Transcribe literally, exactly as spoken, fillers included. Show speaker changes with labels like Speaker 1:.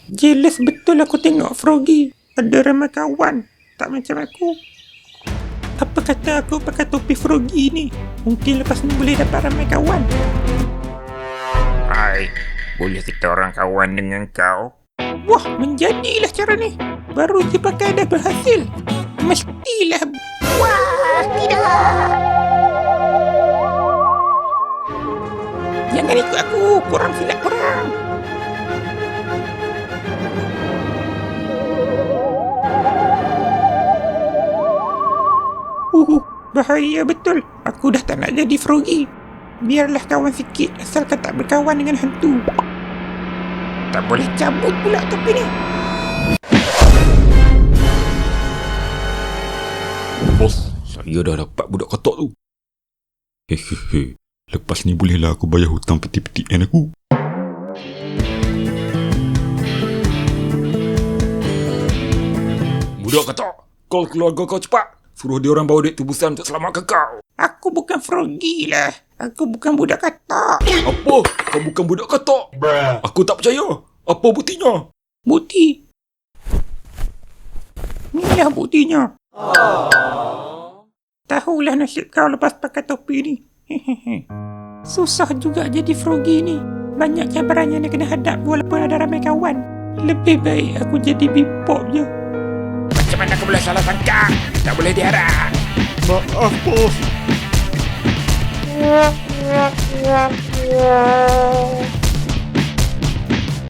Speaker 1: Jealous betul aku tengok Froggy. Ada ramai kawan. Tak macam aku. Apa kata aku pakai topi Froggy ni? Mungkin lepas ni boleh dapat ramai kawan.
Speaker 2: Hai, boleh kita orang kawan dengan kau?
Speaker 1: Wah, menjadilah cara ni. Baru je pakai dah berhasil. Mestilah. Wah, tidak. Jangan ikut aku. Korang silap korang. Uh, bahaya betul. Aku dah tak nak jadi Froggy. Biarlah kawan sikit asalkan tak berkawan dengan hantu. Tak boleh cabut pula topi ni.
Speaker 3: Bos, saya dah dapat budak ketok tu. Hehehe, lepas ni bolehlah aku bayar hutang peti-peti N aku. Budak ketok, call keluarga kau cepat. Suruh dia orang bawa duit tebusan untuk selamatkan kau.
Speaker 1: Aku bukan Froggy lah. Aku bukan budak katak.
Speaker 3: Apa? Kau bukan budak ketok? Aku tak percaya. Apa buktinya?
Speaker 1: Bukti. Inilah buktinya. Tahulah nasib kau lepas pakai topi ni. Hehehe. Susah juga jadi Froggy ni. Banyak cabaran yang dia kena hadap walaupun ada ramai kawan. Lebih baik aku jadi bipop je.
Speaker 2: Macam mana aku boleh salah sangka? Tak boleh diharap.
Speaker 3: Maaf, bos.